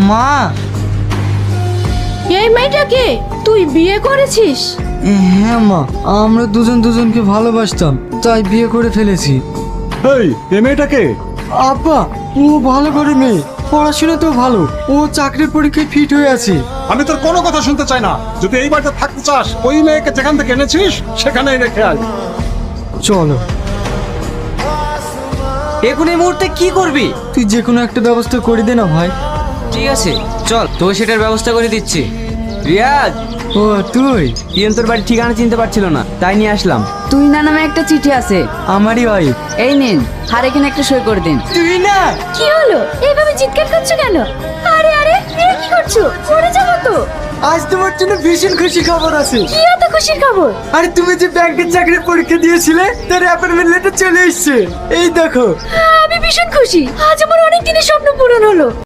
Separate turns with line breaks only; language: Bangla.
মা।
এই মেয়েটাকে তুই বিয়ে করেছিস?
হ্যাঁ মা, আমরা দুজন দুজনকে ভালোবাসতাম, তাই বিয়ে করে ফেলেছি।
এই এ মেয়েটাকে
আব্বা, ও ভালো করে মেয়ে, পড়াশোনা তো ভালো, ও চাকরির পরীক্ষায় ফিট হয়ে আছে।
আমি তোর কোনো কথা শুনতে চাই না। যদি এই বাড়িতে থাকতে চাস, ওই মেয়েকে যেখান থেকে এনেছিস সেখানেই রেখে আয়।
চলো।
এখন এই মুহূর্তে কি করবি?
তুই যে কোনো একটা ব্যবস্থা করে দে না ভাই।
ঠিক আছে চল, তোকে সেটার ব্যবস্থা করে দিচ্ছি। রিয়াজ,
ও তুই?
ইয়ন তোর বাড়ির ঠিকানা চিনতে পারছিল না, তাই নিয়ে আসলাম।
তুই না নামে একটা চিঠি আছে,
আমারই ওয়াইফ।
এই নিন, আর এখানে একটা সই করে দিন।
তুই না?
কি হলো, এইভাবে চিৎকার করছো কেন? আরে আরে, এ কি করছো? পড়ে যাবো তো।
আজ তোমার জন্য ভীষণ খুশি খবর আছে।
কি এত খুশির খবর?
আরে তুমি যে ব্যাংকের চাকরির পরীক্ষা দিয়েছিলে, তার অ্যাপয়েন্টমেন্ট লেটার চলে এসেছে। এই দেখো।
আমি ভীষণ খুশি, আজ আমার অনেক দিনের স্বপ্ন পূরণ হলো।